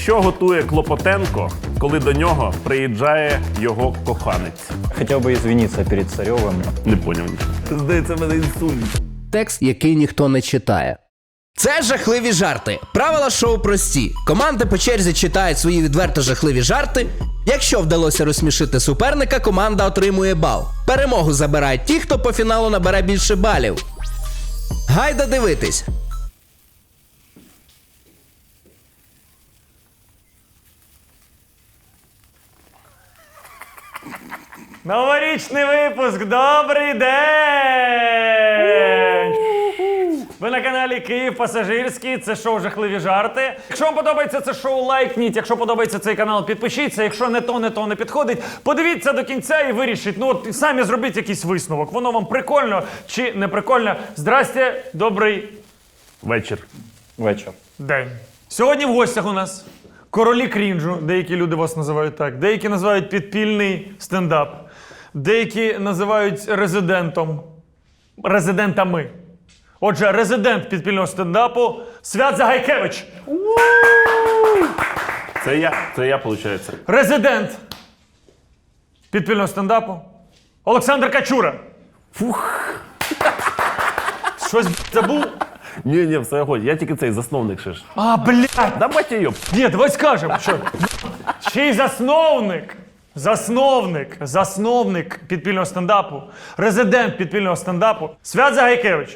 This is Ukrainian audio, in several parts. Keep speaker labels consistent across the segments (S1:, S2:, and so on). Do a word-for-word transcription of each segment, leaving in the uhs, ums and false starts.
S1: Що готує Клопотенко, коли до нього приїжджає його коханець?
S2: Хотел бы извиниться перед Царевым.
S1: Не поняв нічого. Здається, мене інсульт.
S3: Текст, який ніхто не читає. Це жахливі жарти. Правила шоу прості. Команди по черзі читають свої відверто жахливі жарти. Якщо вдалося розсмішити суперника, команда отримує бал. Перемогу забирають ті, хто по фіналу набере більше балів. Гайда дивитись.
S4: Новорічний випуск! Добрий день! Ви на каналі Київ Пасажирський, це шоу «Жахливі жарти». Якщо вам подобається це шоу, лайкніть. Якщо подобається цей канал, підпишіться. Якщо не то, не то, не підходить, подивіться до кінця і вирішіть. Ну от самі зробіть якийсь висновок. Воно вам прикольно чи не прикольно. Здрасте, добрий
S1: Вечір.
S2: Вечер.
S4: день. Сьогодні в гостях у нас королі крінжу, деякі люди вас називають так, деякі називають підпільний стендап, деякі називають резидентом, резидентами. Отже, резидент підпільного стендапу Свят Загайкевич.
S1: Це я, це я, виходить.
S4: Резидент підпільного стендапу Олександр Качура. Фух. Щось забув?
S1: Ні, ні, все ходь. Я тільки цей засновник ще ж.
S4: А, блядь.
S1: Да батя йоп.
S4: Ні, давай скажемо, що ще й засновник, засновник, засновник підпільного стендапу, резидент підпільного стендапу Свят Загайкевич.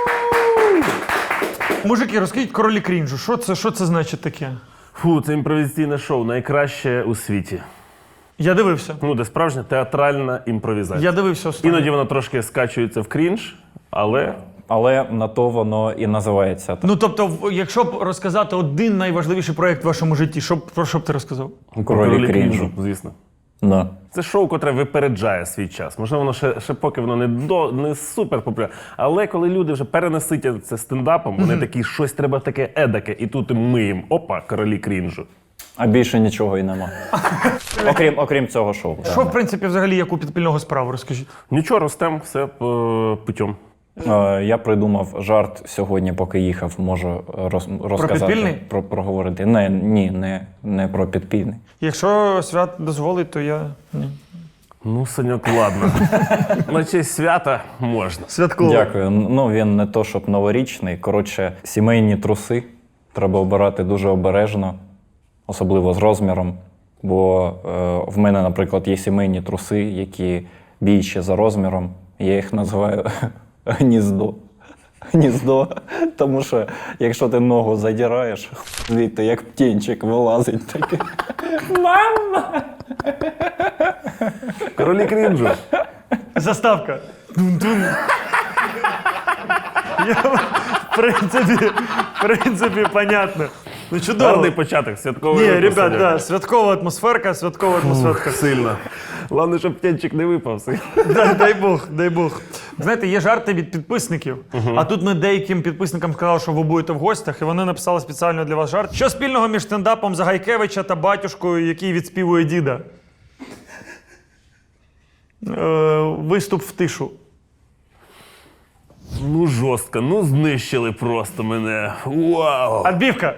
S4: Мужики, розкажіть королі крінжу, що це, що це значить таке?
S1: Фу, це імпровізаційне шоу, найкраще у світі.
S4: Я дивився.
S1: Ну, де справжня театральна імпровізація.
S4: Я дивився останнє.
S1: Іноді воно трошки скачується в крінж, але...
S2: Але на то воно і називається.
S4: Ну, тобто, в- якщо б розказати один найважливіший проєкт в вашому житті, що б, про що б ти розказав?
S2: Королі крінжу.
S1: Звісно.
S2: Да.
S1: Це шоу, котре випереджає свій час. Можливо, воно ще, ще поки воно не, до, не супер популярне. Але коли люди вже перенаситять це стендапом, вони такі, щось треба таке едаке, і тут ми їм, опа, королі крінжу.
S2: А більше нічого і нема. окрім, окрім цього шоу.
S4: Що, в принципі, взагалі, як у підпільного справу, розкажіть?
S1: Нічого, ростем, все е, путем.
S2: Е, Я придумав жарт сьогодні, поки їхав, можу роз, розказати.
S4: підпільний?
S2: Про, проговорити. Не, ні, не, не про підпільний.
S4: Якщо Свят дозволить, то я... Ні.
S1: Ну, Саньок, ладно. На честь свята можна.
S4: Святково.
S2: Дякую. Ну, він не то, щоб новорічний. Коротше, сімейні труси треба обирати дуже обережно, особливо з розміром. Бо е, в мене, наприклад, є сімейні труси, які більші за розміром. Я їх називаю гніздо. Гніздо. Тому що, якщо ти ногу задираєш, звідти як птінчик вилазить такий. Мама!
S1: Королі крінжу.
S4: Заставка. Тун-тун. Я, в принципі, в принципі, понятно. Ну, чудово.
S1: Гарний початок, святковий
S4: Ні,
S1: випуск,
S4: ребят,
S1: Саньок.
S4: да, святкова атмосферка, святкова атмосферка.
S1: Сильно. Головне, щоб птенчик не випав.
S4: Дай, дай Бог, дай Бог. Знаєте, є жарти від підписників, а тут ми деяким підписникам сказали, що ви будете в гостях, і вони написали спеціально для вас жарт. Що спільного між стендапом Загайкевича та батюшкою, який відспівує діда? Е, виступ в тишу.
S1: Ну, жорстко, ну знищили просто мене. Вау!
S4: Адбівка.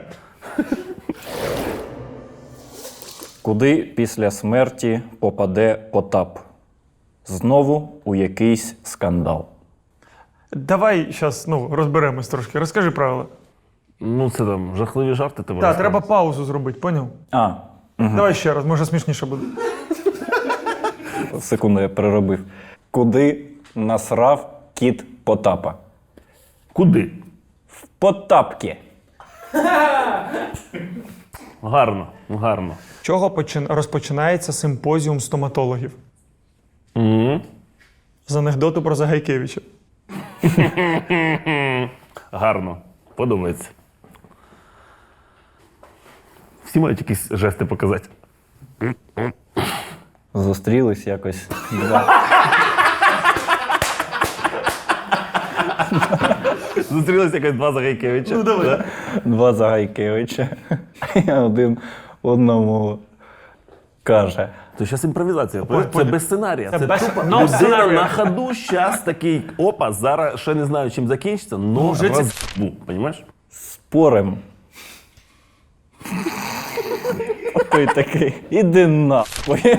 S2: Куди після смерті попаде Потап? Знову у якийсь скандал.
S4: Давай зараз ну, розберемось трошки. Розкажи правила.
S1: Ну, це там жахливі жарти тебе.
S4: Так, треба паузу зробити, поняв?
S2: А,
S4: Давай ще раз, може смішніше буде.
S2: секунду, я переробив. Куди насрав кіт Потапа?
S1: Куди?
S2: В Потапки.
S1: Гарно, гарно.
S4: Чого почин... розпочинається симпозіум стоматологів?
S1: Угу.
S4: З анекдоту про Загайкевича.
S1: Гарно. Подобається. Всі мають якісь жести показати.
S2: Зустрілись якось два.
S1: Зустрілися якось два Загайкевича.
S4: Ну, давай.
S1: Да?
S2: Два Загайкевича. І один одному каже.
S1: Це зараз імпровізація.
S4: Ой,
S1: Це
S4: понял.
S1: без сценарія.
S4: Це
S1: Це,
S4: без-
S1: тупо
S4: no
S1: людина
S4: scenario.
S1: на ходу зараз такий, опа, зараз ще не знаю, чим закінчиться, но
S4: вже ці-
S1: розбу, понімаєш?
S2: Спорим. Той такий, іди нахуй.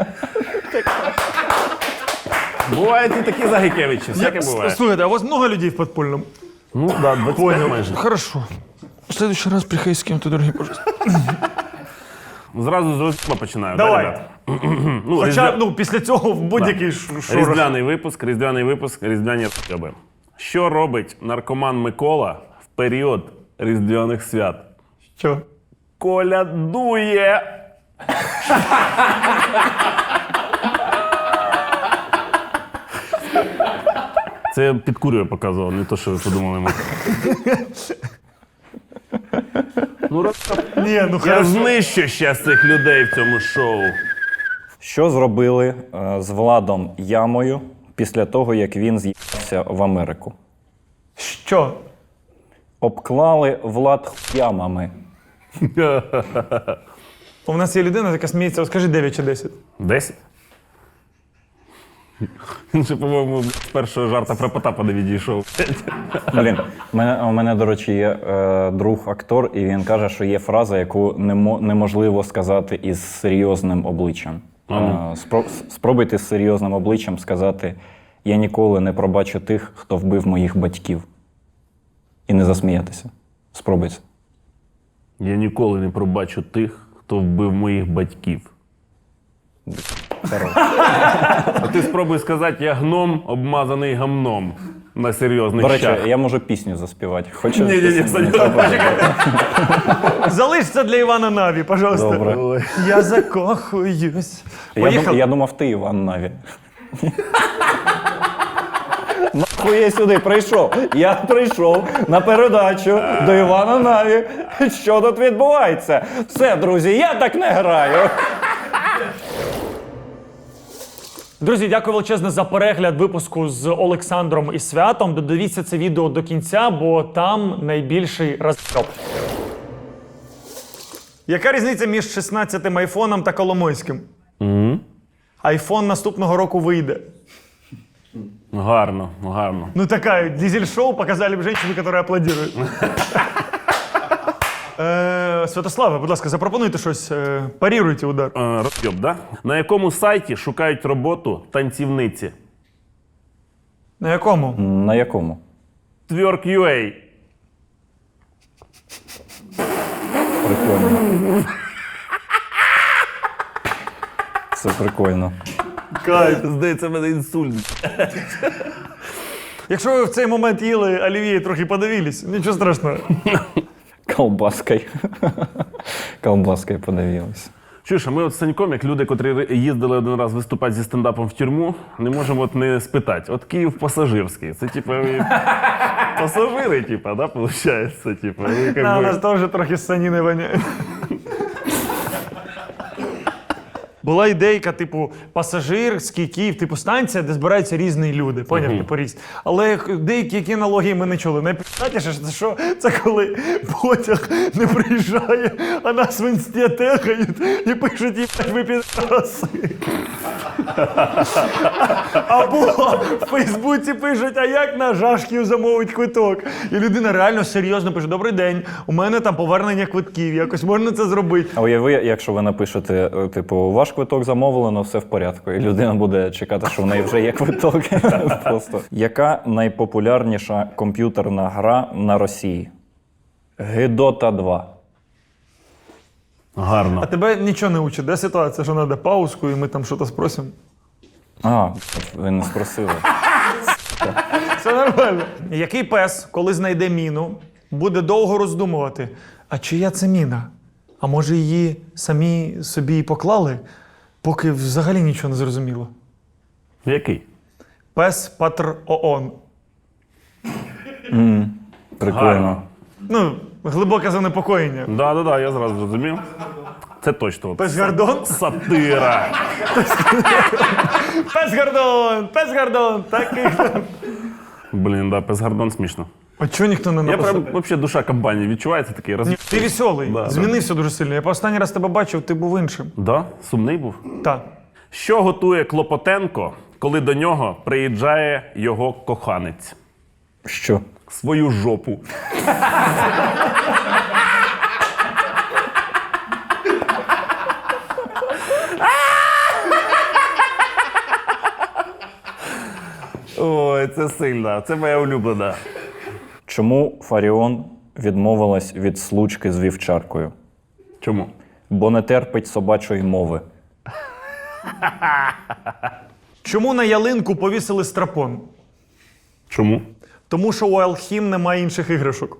S1: Бувають і такі Загайкевичі, всяке буває.
S4: Слухайте, а у вас много людей в подпольном?
S1: Ну, да, двадцять п'ять майже.
S4: Хорошо. В следующий раз приходи с кем-то другим, пожалуйста.
S1: Зразу з розпа починаю.
S4: Давай.
S1: Да, ребят? Ну,
S4: Хоча,
S1: різдвя-
S4: ну, після цього в будь-який ш- шорох.
S1: Різдвяний випуск, різдвяний випуск, різдвяні розйоби. Що робить наркоман Микола в період різдвяних свят?
S4: Що?
S1: Колядує! Це я під курою показував, не то, що ви подумали. Ми. Ну, раз-
S4: Ні, ну
S1: я
S4: хорошо.
S1: знищу ще цих людей в цьому шоу.
S2: Що зробили е, з Владом Ямою після того, як він з'їхався в Америку?
S4: Що?
S2: Обклали Влад хуямами.
S4: У нас є людина, яка сміється, от скажи дев'ять чи десять.
S1: Десять? Він ще, по-моєму, з першого жарта про Потапа не відійшов.
S2: Блін, у мене, у мене, до речі, є е, друг-актор, і він каже, що є фраза, яку немо, неможливо сказати із серйозним обличчям. Е, спро, спробуйте з серйозним обличчям сказати: я ніколи не пробачу тих, хто вбив моїх батьків. І не засміятися. Спробуйте.
S1: Я ніколи не пробачу тих, хто вбив моїх батьків.
S2: Хорош.
S1: А ти спробуй сказати, я гном, обмазаний гамном. На серйозних
S2: До речі,
S1: щах.
S2: я можу пісню заспівати. Хочеш?
S1: Ні-ні-ні, Саня,
S4: Залиш це для Івана Наві, пожалуйста.
S2: Добре.
S4: Я закохуюсь.
S2: Я, дум,
S4: Поїхали.
S2: я думав, ти Іван Наві. Нахуй я сюди прийшов. Я прийшов на передачу до Івана Наві. Що тут відбувається? Все, друзі, я так не граю.
S4: Друзі, дякую величезне за перегляд випуску з Олександром і Святом. Додивіться це відео до кінця, бо там найбільший розйоб. Яка різниця між шістнадцятим айфоном та Коломойським? Айфон наступного року вийде.
S1: Гарно, гарно.
S4: Ну такая, дизель-шоу показали б женщину, яка аплодує. Е, Святославе, будь ласка, запропонуйте щось, е, паріруйте удар.
S1: Е, Розйоб, да? На якому сайті шукають роботу танцівниці?
S4: На якому?
S2: На якому?
S1: Twerk.ua.
S2: Прикольно. Це прикольно.
S1: Кайф, здається, в мене інсульт.
S4: Якщо ви в цей момент їли олів'є і трохи подивились, нічого страшного.
S2: Колбаскою. Колбаскою подивилися.
S1: Чуєш, а ми от з Саньком, як люди, котрі їздили один раз виступати зі стендапом в тюрму, не можемо от не спитати. От Київ пасажирський. Це типу ви пасажири, типу, да, виходить? Типу, ви, як
S4: На, у
S1: би...
S4: нас теж трохи саніни воняє. Була ідейка, типу, пасажирський Київ, типу станція, де збираються різні люди, поняв, типу різні. Але деякі які аналогії ми не чули. Найприятніше, це що? Це коли потяг не приїжджає, а нас в інсті тегають і пишуть, їбать, ви підраси. Або в Фейсбуці пишуть, а як на Жашків замовить квиток? І людина реально серйозно пише: добрий день, у мене там повернення квитків, якось можна це зробити.
S2: А уяви, якщо ви напишете, е, типу, ваш квиток замовлено, все в порядку, і людина буде чекати, що в неї вже є квиток. Просто. Яка найпопулярніша комп'ютерна гра на Росії? Гедота два.
S1: Гарно.
S4: А тебе нічого не учить, де ситуація, що треба паузку і ми там щось спросимо?
S2: А, ви не спросили.
S4: Все нормально. Який пес, коли знайде міну, буде довго роздумувати, а чия це міна? А може її самі собі і поклали, поки взагалі нічого не зрозуміло?
S1: Який?
S4: Пес Патр ООН.
S2: Прикольно.
S1: Гарно.
S4: Ну, глибоке занепокоєння.
S1: Да, да, да, я зразу зрозумів. Це точно.
S4: Пес Гордон?
S1: Сатира.
S4: Пес Гордон! Пес Гордон! Такий.
S1: Блін, да, пес Гордон смішно.
S4: А чого ніхто не
S1: Я
S4: написав?
S1: прям, взагалі, душа компанії відчувається такий роз...
S4: Ні, ти веселий,
S1: Да, да.
S4: змінився дуже сильно. Я останній раз тебе бачив, ти був іншим.
S1: Да? Сумний був?
S4: Так.
S1: Що готує Клопотенко, коли до нього приїжджає його коханець?
S2: Що?
S1: Свою жопу. Ой, це сильно. Це моя улюблена.
S2: Чому Фаріон відмовилась від случки з вівчаркою?
S1: Чому?
S2: Бо не терпить собачої мови.
S4: Чому на ялинку повісили страпон?
S1: Чому?
S4: Тому що у Алхім немає інших іграшок.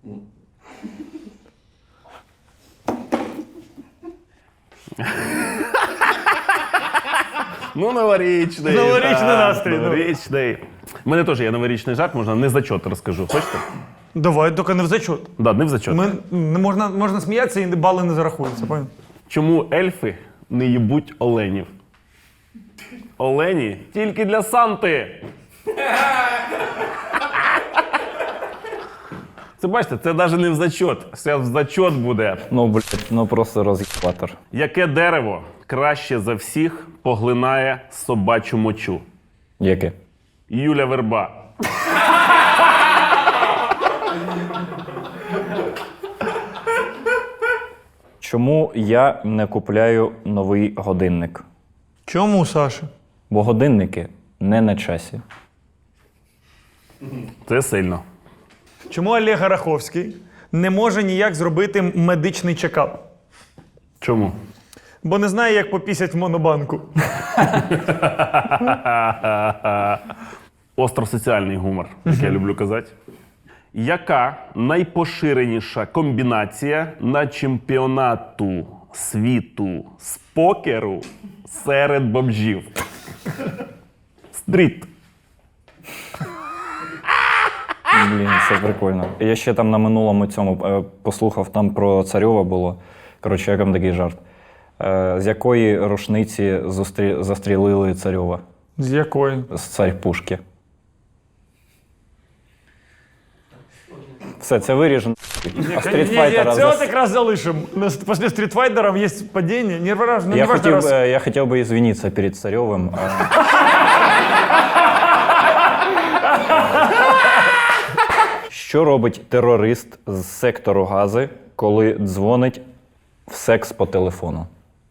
S1: Ну, новорічний.
S4: Новорічний
S1: так,
S4: настрій, ну.
S1: Новорічний. У мене теж є новорічний жарт, можна не зачот розкажу. Хочете?
S4: Давай, тільки не в зачот.
S1: Да, не в зачот.
S4: Ми, не можна, можна сміятися і бали не зарахуються. Понял?
S1: Чому ельфи не їбуть оленів? Олені тільки для Санти. Це бачите, це навіть не в зачот. Це в зачот буде.
S2: Ну, блядь, ну просто роз'єбатор.
S1: Яке дерево краще за всіх поглинає собачу мочу?
S2: Яке?
S1: Юля Верба.
S2: Чому я не купляю новий годинник?
S4: Чому, Саша?
S2: Бо годинники не на часі.
S1: Це сильно.
S4: Чому Олег Раховський не може ніяк зробити медичний чекап?
S1: Чому?
S4: Бо не знає, як попісять в монобанку.
S1: Остросоціальний гумор, як я люблю казати. Яка найпоширеніша комбінація на чемпіонату світу з покеру серед бомжів? Стріт.
S2: Блін, це прикольно. Я ще там на минулому цьому е, послухав, там про Царьова було. Коротше, як там такий жарт. Е, з якої рушниці зустрі... застрілили Царьова?
S4: З якої?
S2: З царь-пушки. Все, це виріжено. А стрітфайтера...
S4: Це
S2: зас-
S4: от якраз залишимо. Після стрітфайтерів є падіння. Не важно,
S2: Я
S4: не важно
S2: хотів,
S4: раз.
S2: би- я хотів би извинитися перед Царьовим. а- Що робить терорист з сектору Гази, коли дзвонить в секс по телефону?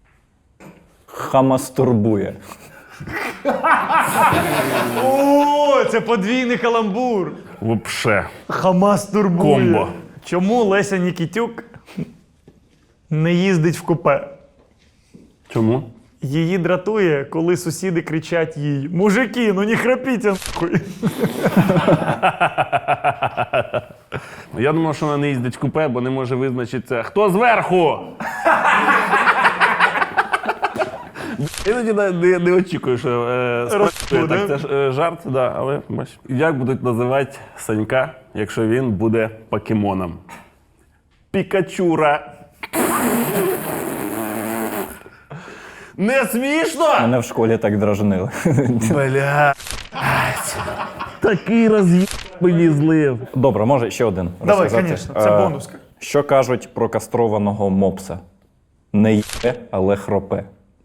S2: Хамастурбує.
S4: О, це подвійний каламбур.
S1: Вообще.
S4: Хамас турбує.
S1: Комбо.
S4: Чому Леся Нікітюк не їздить в купе?
S1: Чому?
S4: Її дратує, коли сусіди кричать їй: «Мужики, ну не храпіть, нахуй!»
S1: Я думав, що вона не їздить в купе, бо не може визначитися, хто зверху. Іноді не, не, не очікую, що е, спрацює
S4: Розбуде.
S1: так, це ж е, жарт, да, але бач. Як будуть називати Санька, якщо він буде покемоном? Пікачура. Не смішно?
S2: Мене в школі так дражнили.
S1: Бля. Такий роз'їб мені злив.
S2: Добре, може ще один
S4: Давай,
S2: розказати?
S4: звісно, це
S2: Е,
S4: бонуска.
S2: Що кажуть про кастрованого мопса? Не є, але хропе.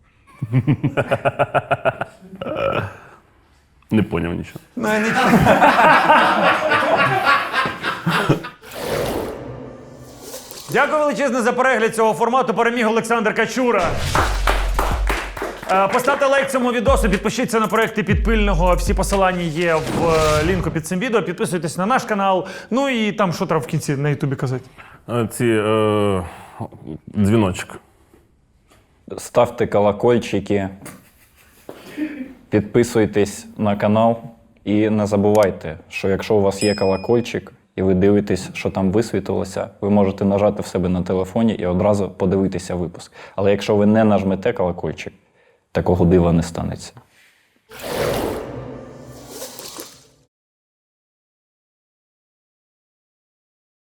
S1: Не поняв нічого.
S4: Ну, нічого. Дякую величезне за перегляд цього формату. Переміг Олександр Качура. Е, Поставте лайк цьому відосу, підпишіться на проекти Підпильного. Всі посилання є в е, лінку під цим відео. Підписуйтесь на наш канал. Ну і там що треба в кінці на Ютубі казати.
S1: Е, Ці е, дзвіночок.
S2: Ставте колокольчики, підписуйтесь на канал і не забувайте, що якщо у вас є колокольчик і ви дивитесь, що там висвітилося, ви можете нажати в себе на телефоні і одразу подивитися випуск. Але якщо ви не нажмете колокольчик, такого дива не станеться.